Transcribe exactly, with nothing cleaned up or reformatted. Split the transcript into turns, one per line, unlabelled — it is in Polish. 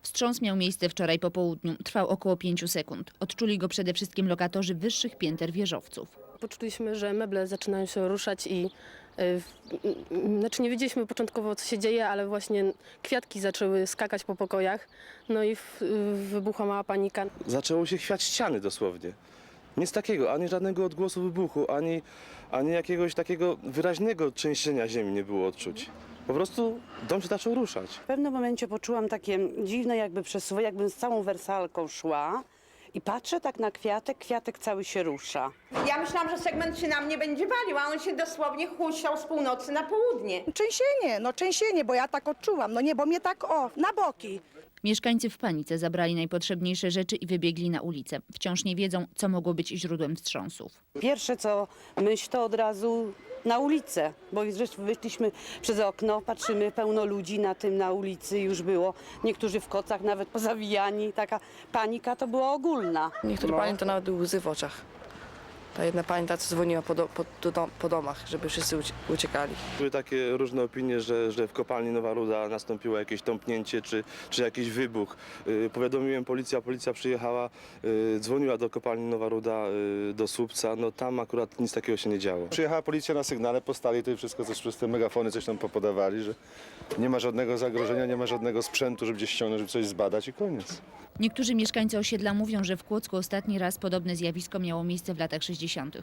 Wstrząs miał miejsce wczoraj po południu. Trwał około pięciu sekund. Odczuli go przede wszystkim lokatorzy wyższych pięter wieżowców.
Poczuliśmy, że meble zaczynają się ruszać i y, znaczy nie wiedzieliśmy początkowo, co się dzieje, ale właśnie kwiatki zaczęły skakać po pokojach, no i w, y, wybuchła mała panika.
Zaczęło się chwiać ściany dosłownie. Nic takiego, ani żadnego odgłosu wybuchu, ani, ani jakiegoś takiego wyraźnego trzęsienia ziemi nie było odczuć. Po prostu dom się zaczął ruszać.
W pewnym momencie poczułam takie dziwne jakby przesuwy, jakbym z całą wersalką szła i patrzę tak na kwiatek, kwiatek cały się rusza.
Ja myślałam, że segment się na mnie będzie walił, a on się dosłownie huśtał z północy na południe.
Trzęsienie, no trzęsienie, bo ja tak odczuwam, no nie, bo mnie tak o, na boki.
Mieszkańcy w panice zabrali najpotrzebniejsze rzeczy i wybiegli na ulicę. Wciąż nie wiedzą, co mogło być źródłem wstrząsów.
Pierwsze co myśl to od razu na ulicę, bo wyszliśmy przez okno, patrzymy, pełno ludzi na tym na ulicy już było. Niektórzy w kocach nawet pozawijani, taka panika to była ogólna.
Niektóre panie to nawet łzy w oczach. Ta jedna pani ta, co dzwoniła po, do, po, do, po domach, żeby wszyscy ucie- uciekali.
Były takie różne opinie, że, że w kopalni Nowa Ruda nastąpiło jakieś tąpnięcie czy, czy jakiś wybuch. Yy, powiadomiłem policję, a policja przyjechała, yy, dzwoniła do kopalni Nowa Ruda, yy, do Słupca. No tam akurat nic takiego się nie działo.
Przyjechała policja na sygnale, postali to i wszystko, coś przez te megafony coś tam popodawali, że nie ma żadnego zagrożenia, nie ma żadnego sprzętu, żeby gdzieś ściągnąć, żeby coś zbadać i koniec.
Niektórzy mieszkańcy osiedla mówią, że w Kłodzku ostatni raz podobne zjawisko miało miejsce w latach sześćdziesiątych.